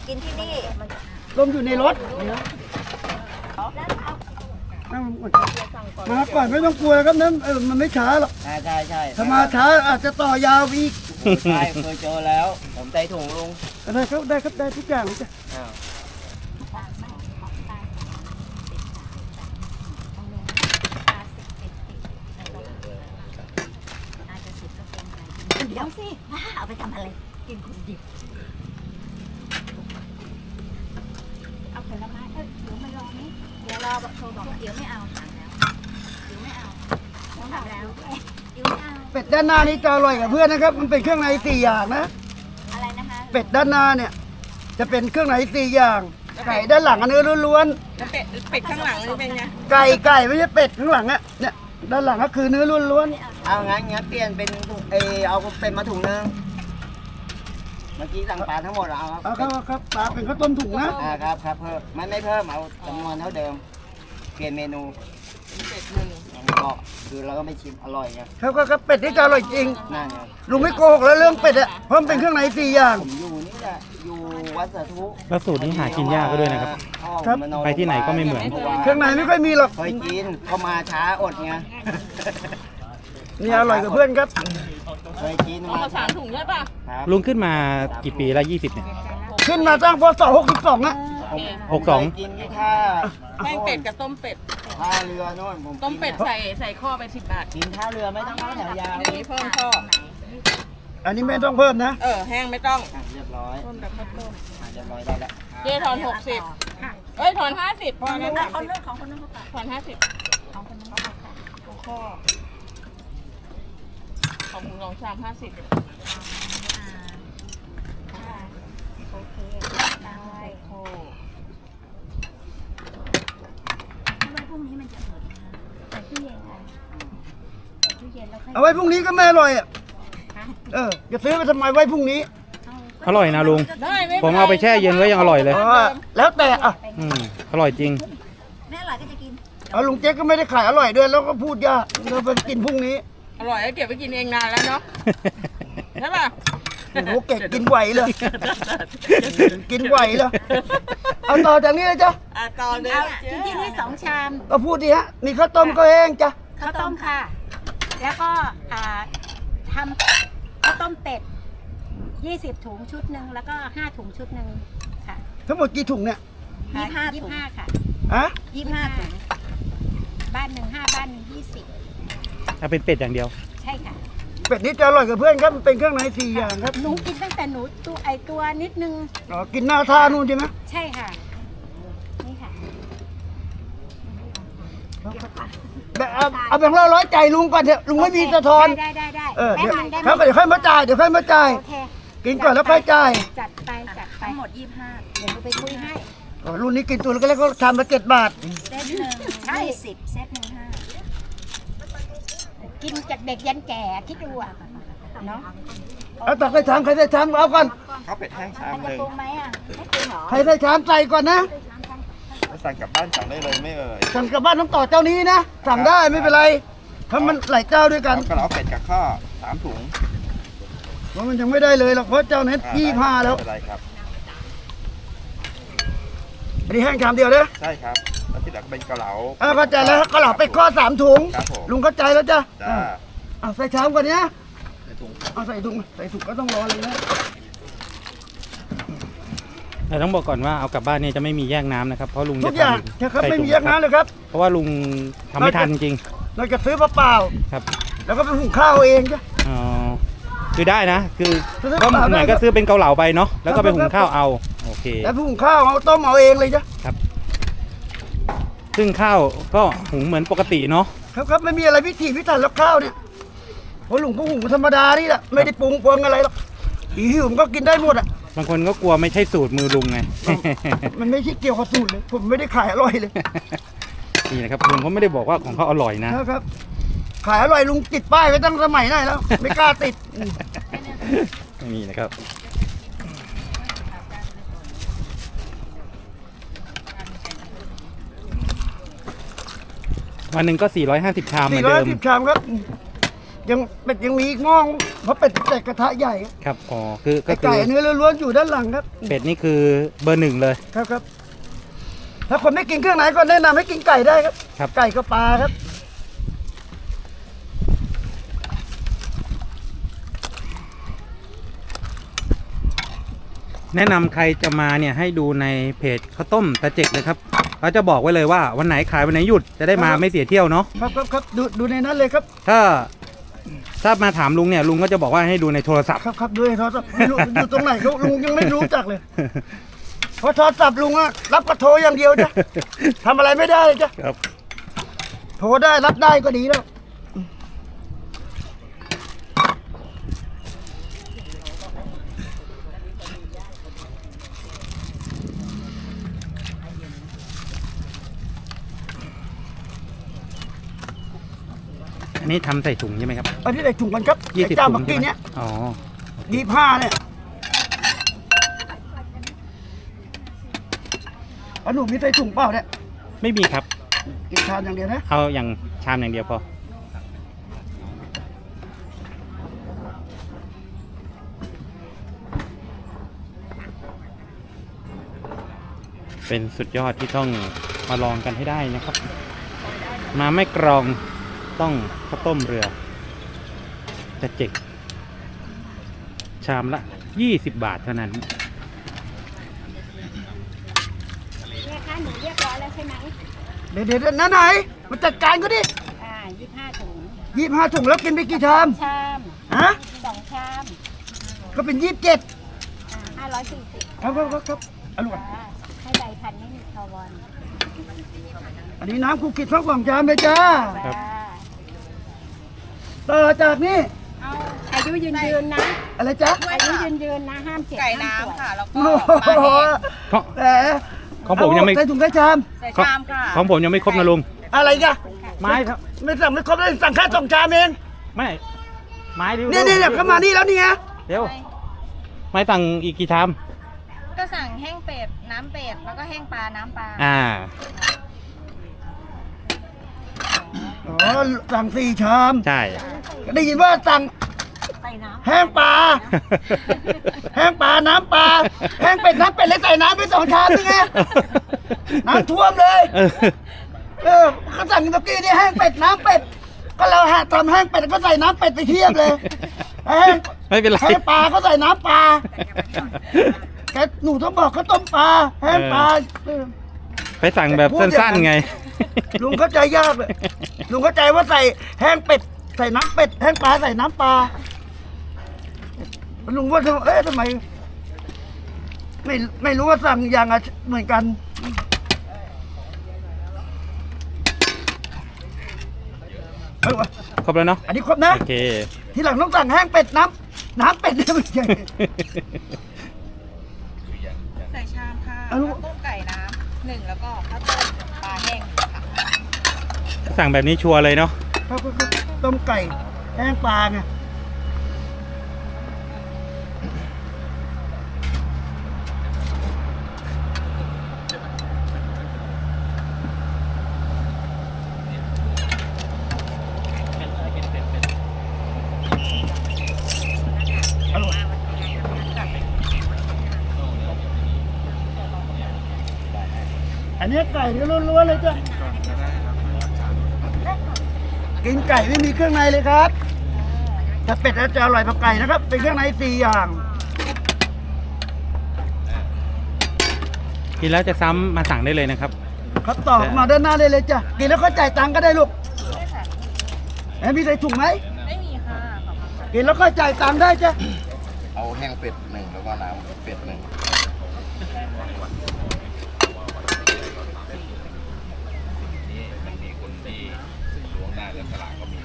กินที่นี่ลมอยู่ในรถมาก่อนไม่ต้องกลัวครับนั้นมันไม่ช้าหรอกใช่ถ้ามาช้าอาจจะต่อยาวอีกใช่เคยเจอแล้ว ผมใจถุงลุงได้ครับได้ทุกอย่างจ้ะอ้าวเดี๋ยวสิบ้าเอาไปทำอะไร กินคนเดียวเอาผลไม้เดี๋ยวมารอไหมเดี๋ยวรอโทรบอกว่าเดี๋ยวไม่เอาถามแล้วเดี๋ยวไม่เอาถามแล้วเดี๋ยวไม่เอาเป็ดด้านหน้านี้จะอร่อยกับเพื่อนนะครับมันเป็นเครื่องใน4อย่างนะอะไรนะคะเป็ดด้านหน้าเนี่ยจะเป็นเครื่องใน4อย่างไก่ด้านหลังอันเนื้อล้วนแล้วเป็ดข้างหลังนี่เป็นไงๆไก่ไม่ใช่เป็ดข้างหลังอะเนี่ยด้านหลังก็คือเนื้อล้วนเอางั้นเปลี่ยนเป็นถุงเอาเป็นมาถุงนึงเมื่อกี้สั่งปลาทั้งหมดเอาๆเอาครับปลาเป็นข้าวต้มถุงนะครับเพิ่มไม่เพิ่มเอาจำนวนเท่าเดิม เปลี่ยนเมนูเป็ดหนึ่งก็คือเราก็ไม่ชิมอร่อยไงครับเป็ดนี่จะอร่อยจริงนั่นไงลุงไม่โกหกแล้วเรื่องเป็ดอะเพราะมันเป็นเครื่องใน4อย่างผมอยู่นี่แหละอยู่วัดสาธุแล้วสูตรนี้หากินยากก็ด้วยนะครับครับไปที่ไหนก็ไม่เหมือนเครื่องในไม่ค่อยมีหรอกเคยกินเข้ามาช้าอดไงนี่อร่อยกับเพื่อนครับเคยกินเอามาสามถุงใช่ป่ะครับลุงขึ้นมากี่ปีแล้ว20เนี่ยขึ้นมาตั้งพศ62นะโอเค 62 เคยกินที่ท่าแป้งเป็ดกับต้มเป็ดท่าเรือโน่นผมต้มเป็ดใส่ข้อไป10 บาทกินท่าเรือไม่ต้องเข้าแถวยาวอันนี้เพิ่มข้ออันนี้ไม่ต้องเพิ่มนะแห้งไม่ต้องเรียบร้อยต้มแบบข้าวต้มเรียบร้อยได้แล้วเจ๊ถอน60เอ้ยถอน50พอแล้วคนนู้นของคนนู้นเขาตัดถอน50 ของคนนู้นเขาตัดเอาข้อของถุง2 ชาม50 โอเคได้โอ้ทำไมพรุ่งนี้มันจะเปิดนะใส่ตู้เย็นค่ะใส่ตู้เย็นแล้วค่อยเอาไว้พรุ่งนี้ก็ไม่อร่อยอ่ะจะซื้อไปทำไมไว้พรุ่งนี้อร่อยนะลุงได้ไม่ผมเอาไปแช่เย็นไว้ยังอร่อยเลยแล้วแต่อ่ะอร่อยจริงแม่อร่อยก็จะกินเอาลุงเจ๊กก็ไม่ได้ขายอร่อยด้วยแล้วก็พูดยากเราไปกินพรุ่งนี้อร่อยแล้วเก็บไปกินเองนานแล้วเนาะใช่ป่ะโอ้โหเก่งกินไหวเลยกินไหวเลยเอาต่อจากนี้เลยจ้ะต่อเลยเอาที่นี่2 ชามก็พูดดีฮะมีข้าวต้มก็แห้งจ้ะข้าวต้มค่ะ แล้วก็ทำข้าวต้มเป็ด 20 ถุงชุดหนึ่งแล้วก็5 ถุงชุดหนึ่งค่ะทั้งหมดกี่ถุงเนี่ย 25 ถุง 25ค่ะฮะ 25 ถุงบ้านหนึ่ง5 บ้านหนึ่งเอาเป็นเป็ดอย่างเดียว 20 ใช่ค่ะเป็ดนี่จะอร่อยกับเพื่อนครับมันเป็นเครื่องใน4อย่างครับหนูกินตั้งแต่หนูตัวนิดนึงอ๋อกินหน้าท่านู่นใช่ไหมใช่ค่ะ นี่ค่ะแบบเอาแบ่งเรา100ใจลุงก่อนเถอะลุงไม่มีสะทอนได้เดี๋แป๊ยวบนึงได้ไหมครับเดี๋ยวค่อยมาจ่ายโอเคกินก่อนแล้วค่อยจ่ายจัดไปทั้งหมด 25 เดี๋ยวหนูไปคุยให้อ๋อรุ่นนี้กินตัวแล้วก็ทำละ7 บาทเซตหนึ่ง20 เซตหนึ่ง5 กินจากเด็กยันแก่คิดดูอ่ะเนาะเอาตักใส่ชามใครใส่ชามเอาก่อนเขาเป็ดแห้งชามมันหจะนึ่งปรุงไหมอ่ะไม่ปรุงเหรอใครใส่ชามใส่ก่อนนะแล้วสั่งกลับบ้านสั่งได้เลยไม่เอ่ยสั่งกลับบ้านต้องต่อเจ้านี้นะสั่งได้ไม่เป็นไรเพราะมันหลายเจ้าด้วยกันเอากระเหลาเป็ดกับข้าว3 ถุงเพราะมันยังไม่ได้เลยหรอกเพราะเจ้านั้น25แล้วไม่เป็นไรครับอันนี้แห้งชามเดียวเด้อใช่ครับแล้วที่เหลือก็เป็นกระเหลาเข้าใจแล้วก็เหล่าไปข้อ3 ถุงครับผมลุงเข้าใจแล้วจ้ะจ้าเอาใส่ชามก่อนเนี้ยใส่ถุงเอาใส่ถุงก็ต้องรอเลยนะแต่ต้องบอกก่อนว่าเอากลับบ้านเนี่ยจะไม่มีแยกน้ำนะครับ เพราะลุงทุจะกอย่างทำนะครับใส่ไม่ถุมีงแยกน้ำเลยครับเพราะว่าลุงทำไม่ทันจริงเราจะซื้อเปล่าครับๆแล้วก็ไปหุงข้าวเองจ้ะอ๋อคือได้นะ คือซื้อก็เปล่าๆเหมือนได้ก็ซื้อเป็นเกาเหลาไปเนาะแล้วก็ไปครับหุงข้าวเอาโอเคแล้วหุงข้าวเอาต้มเอาเองเลยจ้ะซึ่งข้าวก็หุงเหมือนปกติเนาะครับไม่มีอะไรพิถีพิถันแล้วข้าวเนี่ยเพราะลุงก็หุงธรรมดานี่แหละไม่ได้ปรุงอะไรหรอกหิวมันก็กินได้หมดอ่ะบางคนก็กลัวไม่ใช่สูตรมือลุงไงมันไม่ใช่เกี่ยวกับสูตรเลยผมไม่ได้ขายอร่อยเลยนี่นะครับลุงเขาไม่ได้บอกว่าของเขาอร่อยนะนะครับ ขายอร่อยลุงติดป้ายไว้ตั้งสมัยไหนแล้ว ไม่กล้าติดนี่นะครับวันหนึ่งก็450 ชามเหมือนเดิม 410 ชามครับยังเป็ดยังมีอีกหม้อเพราะเป็ดแต่กระทะใหญ่ครับอ๋อคือก็ไอ้คือไก่เนื้อล้วนๆอยู่ด้านหลังครับเป็ดนี่คือเบอร์ 1เลยครับครับถ้าคนไม่กินเครื่องในก็แนะนำให้กินไก่ได้ครับครับไก่ก็ปลาครับแนะนำใครจะมาเนี่ยให้ดูในเพจข้าวต้มตาเจกเลยครับเขาจะบอกไว้เลยว่าวันไหนขายวันไหนหยุดจะได้มาไม่เสียเที่ยวเนาะครับดูในนั้นเลยครับถ้ามาถามลุงเนี่ยลุงก็จะบอกว่าให้ดูในโทรศัพท์ครับดูในโทรศัพท์ไม่รู้อยู่ตรงไหนลุงยังไม่รู้จักเลยเพราะโทรศัพท์ลุงอะรับกระโทรอย่างเดียวจ้ะทำอะไรไม่ได้เลยจ้ะครับโทรได้รับได้ก็ดีแล้วอันนี้ทำใส่ถุงใช่ไหมครับอันนี้ได้ถุงกันครับ 20 ไอ้เจ้าถุเมื่งอใช่กี้ไหมเนี้ยอ๋อ 25เนี่ยเอาหนูมีใส่ถุงเปล่าเนี่ยไม่มีครับกินชามอย่างเดียวนะเอาอย่างชามอย่างเดียวพอ เป็นสุดยอดที่ต้องมาลองกันให้ได้นะครับ มาไม่กรองต้องข้าวต้มเรือจะเจ็กชามละ 20 บาทเท่านั้นเนี่ยค่ะหนูเรียบร้อยแล้วใช่ไหมเดี๋ยวนั่นไหนมาจัดการก็ดิ 25 ถุง 25 ถุงแล้วกินไปกี่ชามชามฮะ 2 ชามก็เป็น 27 540 ครับอร่อยให้ใบพันไม่มีคาร์บอนอันนี้น้ำคุกกี้ทั้ง2ชามเลยจ้าครับต่อจากนี้เอาอายุยืนนะอะไรจ๊ะอายุยืนนะห้ามเจ็บไก่ห้ามป่วยน้ำค่ะ แล้วก็โอ้ปลาโหแห้งแหมของผมยังไม่ใส่ถุงใส่ชามใส่ชามค่ะของผมยังไม่ครบนะลุงอะไรกะไม้ครับไม่สั่งไม่ครบเลยสั่งแค่2ชามเองไม่ ไม้ดิเนี่ยเข้ามานี่แล้วนี่ไงเดี๋ยวไม้สั่งอีกกี่ชามก็สั่งแห้งเป็ด น้ำเป็ด แล้วก็แห้งปลา น้ำปลาอ๋อสั่ง4ชามใช่ได้ยินว่าสั่งใส่น้แห้งปลา แห้งปลา น้ำปลา แห้งเป็ด น้ำเป็ดเลยใส่น้ำไป2ชามนี่ไง น้ำท่วมเลย เขาสั่งเมื่อกี้นี่แห้งเป็ด น้ำเป็ด ก็เราทำแห้งเป็ดก็ใส่น้ำเป็ดไปเทียบเลย แห้งไม่เป็นไรแห้งปลาก็ใส่น้ำปลา แกหนูต้องบอกเขาต้มปลา แห้งปลาไปสั่งแบบสั้นๆไงลุงเข้าใจยากเลยลุงเข้าใจว่าใส่แห้งเป็ด ใส่น้ำเป็ด แห้งปลาใส่น้ำปลา ลุงว่าทำไม ไม่รู้ว่าสั่งอย่างเหมือนกันเอาวะครบแล้วเนาะอันนี้ครบนะโอเคทีหลังต้องสั่งแห้งเป็ดน้ำเป็ดเนี่ยไม่ใช่ใส่ชามค่ะเอาลูกข้าวต้มไก่น้ำ1แล้วก็ข้าวต้มปลาแห้งค่ะสั่งแบบนี้ชัวร์เลยเนาะเขาต้มไก่แห้งปลาไงอร่อยอันนี้ไก่เนื้อล้วนๆเลยจ้ะ กินไก่ไม่มีเครื่องในเลยครับ ถ้าเป็ดแล้วจะอร่อยกว่าไก่นะครับ เป็นเครื่องใน4 อย่างกินแล้วจะซ้ำมาสั่งได้เลยนะครับครับต่อมาด้านหน้าเลยจ้ะ กินแล้วก็จ่ายตังค์ก็ได้ลูกมีใส่ถุงไหมไม่มีค่ะขอบคุณค่ะกินแล้วก็จ่ายตังค์ได้จ้ะเอาแห้งเป็ด1แล้วก็น้ำเป็ด1นี่มันมีคนที่ล้วงได้และสลากก็มี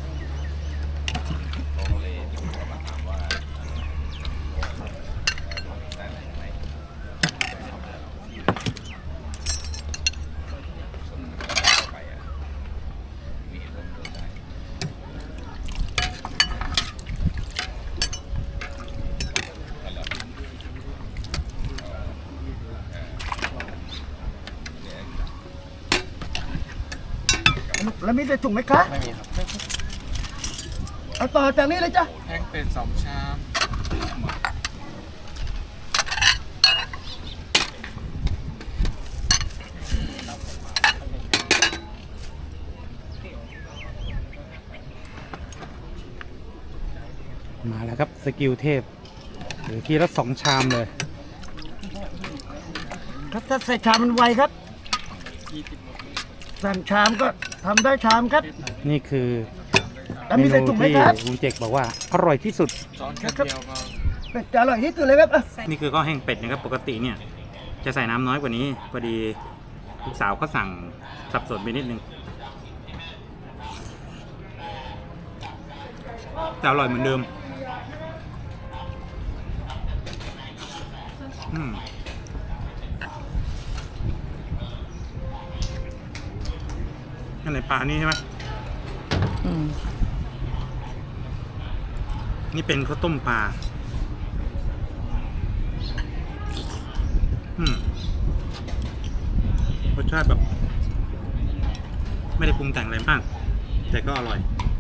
เขาก็เลยมาถามว่าได้ไหมยังไงไปอ่ะมีเหตุผลได้แล้วมีใส่ถุงไหมคะไม่มีครับเอาต่อจากนี้เลยจ้ะแห้งเป็ด2 ชามมาแล้วครับสกิลเทพหรือทีละ2 ชามเลยครับถ้าใส่ชามมันไวครับสั่งชามก็ทำได้ชามครับนี่คือแล้วเมมีนูใส่ถุงไหมที่ครับลุงเจกบอกว่าอร่อยที่สุดช้อนแค่เดียวก็เป็ดจะอร่อยที่สุดเลยครับอ่ะนี่คือข้าวแห้งเป็ดนะครับปกติเนี่ย จะใส่น้ำน้อยกว่านี้พอดีลูกสาวก็สั่งสับสนไปนิดนึงแต่อร่อยเหมือนเดิมอันไหนปลานี่ใช่ไหมนี่เป็นข้าวต้มปลารสชาติแบบ ไม่ได้ปรุงแต่งอะไรมาก แต่ก็อร่อย